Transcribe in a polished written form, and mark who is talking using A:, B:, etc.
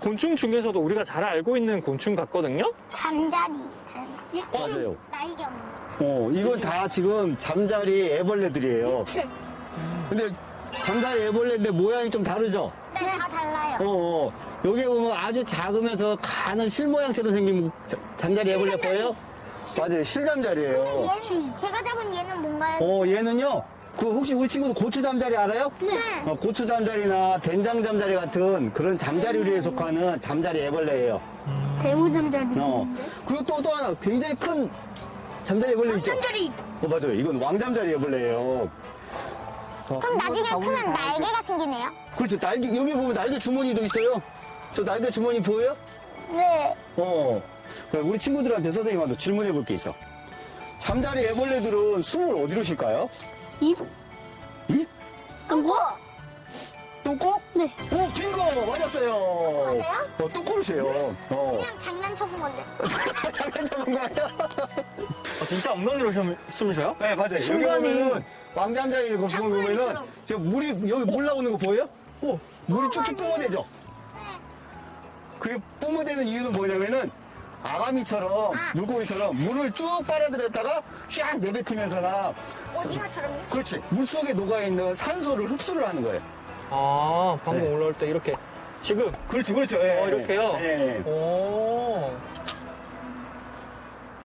A: 곤충 중에서도 우리가 잘 알고 있는 곤충 같거든요?
B: 잠자리.
C: 맞아요.
B: 날개 없는.
C: 이건 다 지금 잠자리 애벌레들이에요. 근데 잠자리 애벌레인데 모양이 좀 다르죠?
B: 네, 다 달라요.
C: 여기 보면 아주 작으면서 가는 실 모양처럼 생긴 잠자리 애벌레 보여요? 맞아요. 실잠자리예요.
B: 얘는, 제가 잡은 얘는 뭔가요?
C: 얘는요. 혹시 우리 친구도 고추 잠자리 알아요?
B: 네.
C: 고추 잠자리나 된장 잠자리 같은 그런 잠자리류에 속하는 잠자리 애벌레예요.
B: 대우 잠자리.
C: 그리고 또 하나 굉장히 큰 잠자리 애벌레 있죠?
B: 잠자리.
C: 맞아요. 이건 왕잠자리 애벌레예요.
B: 그럼 나중에 크면 날개가 생기네요?
C: 그렇죠. 날개, 여기 보면 날개 주머니도 있어요. 저 날개 주머니 보여요?
B: 네.
C: 우리 친구들한테 선생님한테 질문해 볼 게 있어. 잠자리 애벌레들은 숨을 어디로 쉴까요?
B: 입?
C: 입?
B: 똥꼬?
C: 똥꼬?
B: 네.
C: 오, 빙고! 맞았어요.
B: 맞아요?
C: 똥꼬로 쉬어요.
B: 그냥 장난쳐본 건데.
C: 잠깐 잡은 거예요?
A: 진짜 엉덩이로 숨을 쉬어요?
C: 네, 맞아요. 여기
A: 순간이-
C: 보면은 왕잠자리 거기 보면은 저 물이 여기 물 나오는 거 보여요? 물이 쭉쭉 뿜어대죠? 그게 뿜어대는 이유는 뭐냐면은 아가미처럼 물고기처럼 물을 쭉 빨아들였다가 샥 내뱉으면서나
B: 오징어처럼요?
C: 그렇지 물속에 녹아있는 산소를 흡수를 하는 거예요.
A: 방금
C: 네.
A: 올라올 때 이렇게 지금
C: 그렇죠.
A: 이렇게요?
C: 예.
A: 오.